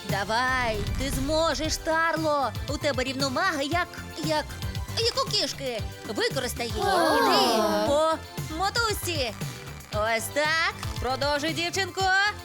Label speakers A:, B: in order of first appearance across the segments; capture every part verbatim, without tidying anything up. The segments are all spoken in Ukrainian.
A: Давай, ти зможеш, Тарло. У тебе рівновага, як, як, як у кішки. Використай її. Іди по мотузці. Ось так. Продовжуй, дівчинко.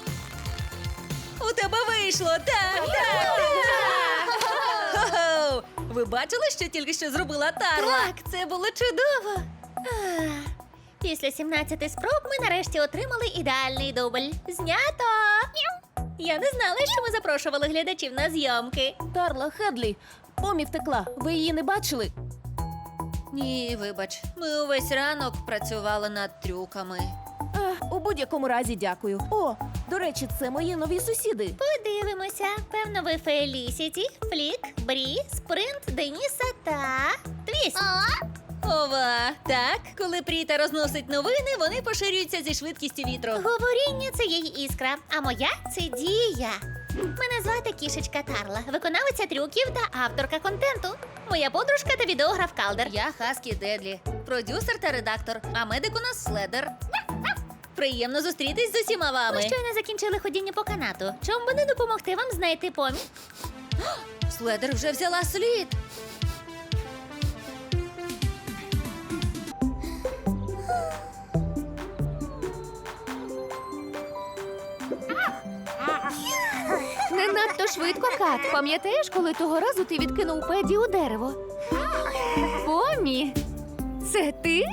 A: У тебе вийшло. Так, так, так. Хо-хо. Ви бачили, що тільки що зробила Тарла?
B: Так, це було чудово. Ах, Після сімнадцяти спроб ми нарешті отримали ідеальний дубль. Знято! Я не знала, що ми запрошували глядачів на зйомки.
C: Тарла, Хедлі, Помі втекла. Ви її не бачили?
A: Ні, вибач. Ми увесь ранок працювали над трюками.
C: Ех, у будь-якому разі дякую. О, до речі, це мої нові сусіди.
B: Подивимося. Певно, ви Фелісіті, Флік, Брі, Спринт, Деніса та Твіст.
A: Ова, так, коли Пріта розносить новини, вони поширюються зі швидкістю вітру.
B: Говоріння – це її іскра, а моя – це дія. Мене звати Кішечка Тарла, виконавиця трюків та авторка контенту. Моя подружка та відеограф Калдер.
A: Я Хаскі Дедлі, продюсер та редактор, а медик у нас Следер. Приємно зустрітись з усіма вами.
B: Ми щойно закінчили ходіння по канату. Чому би не допомогти вам знайти Помі?
A: Следер вже взяла слід.
C: Не надто швидко, Кат. Пам'ятаєш, коли того разу ти відкинув Педі у дерево? Помі, це ти?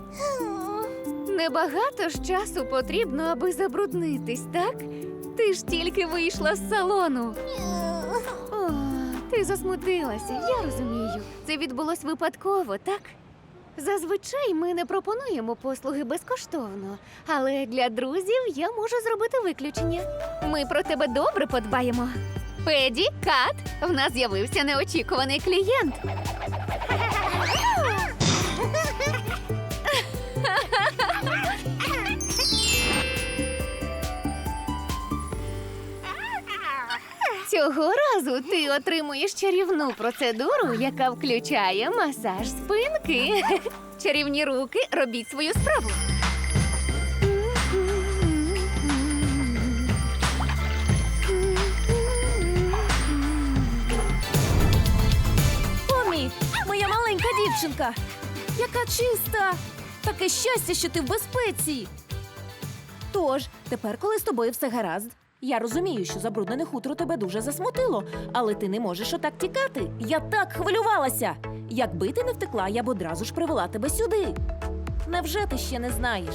C: Небагато ж часу потрібно, аби забруднитись, так? Ти ж тільки вийшла з салону. О, ти засмутилася, я розумію. Це відбулось випадково, так? Зазвичай ми не пропонуємо послуги безкоштовно, але для друзів я можу зробити виключення. Ми про тебе добре подбаємо. Педі, Кат, в нас з'явився неочікуваний клієнт. Цього разу ти отримуєш чарівну процедуру, яка включає масаж спинки. Чарівні руки, робіть свою справу. Помі, моя маленька дівчинка. Яка чиста! Таке щастя, що ти в безпеці. Тож, тепер, коли з тобою все гаразд, я розумію, що забруднене хутро тебе дуже засмутило, але ти не можеш отак тікати. Я так хвилювалася. Якби ти не втекла, я б одразу ж привела тебе сюди. Невже ти ще не знаєш?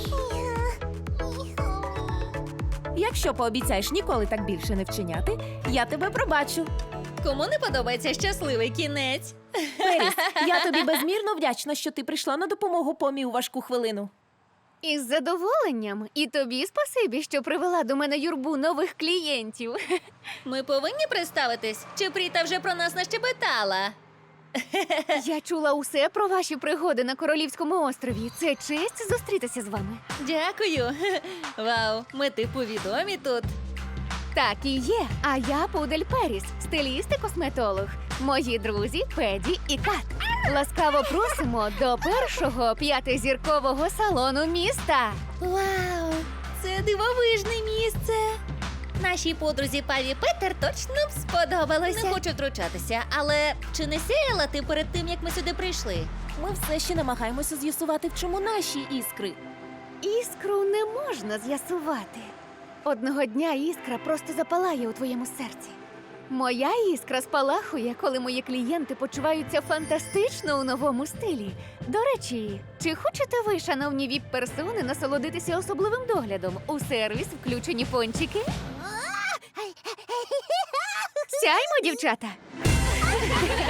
C: Якщо пообіцяєш ніколи так більше не вчиняти, я тебе пробачу.
A: Кому не подобається щасливий кінець?
C: Періс, я тобі безмірно вдячна, що ти прийшла на допомогу Помі у важку хвилину. Із задоволенням. І тобі спасибі, що привела до мене юрбу нових клієнтів.
A: Ми повинні представитись? Чи Пріта вже про нас нащебетала?
C: Я чула усе про ваші пригоди на Королівському острові. Це честь зустрітися з вами.
A: Дякую. Вау, ми типу відомі тут.
C: Так і є. А я Пудель Періс, стиліст і косметолог. Мої друзі Педі і Кат. Ласкаво просимо до першого п'ятизіркового салону міста.
B: Вау!
A: Це дивовижне місце.
B: Нашій подрузі Паві Петер точно б сподобалося.
A: Не хочу втручатися, але чи не сяяла ти перед тим, як ми сюди прийшли?
C: Ми все ще намагаємося з'ясувати, в чому наші іскри. Іскру не можна з'ясувати. Одного дня іскра просто запалає у твоєму серці. Моя іскра спалахує, коли мої клієнти почуваються фантастично у новому стилі. До речі, чи хочете ви, шановні віп-персони, насолодитися особливим доглядом? У сервіс включені пончики? Сяймо, дівчата!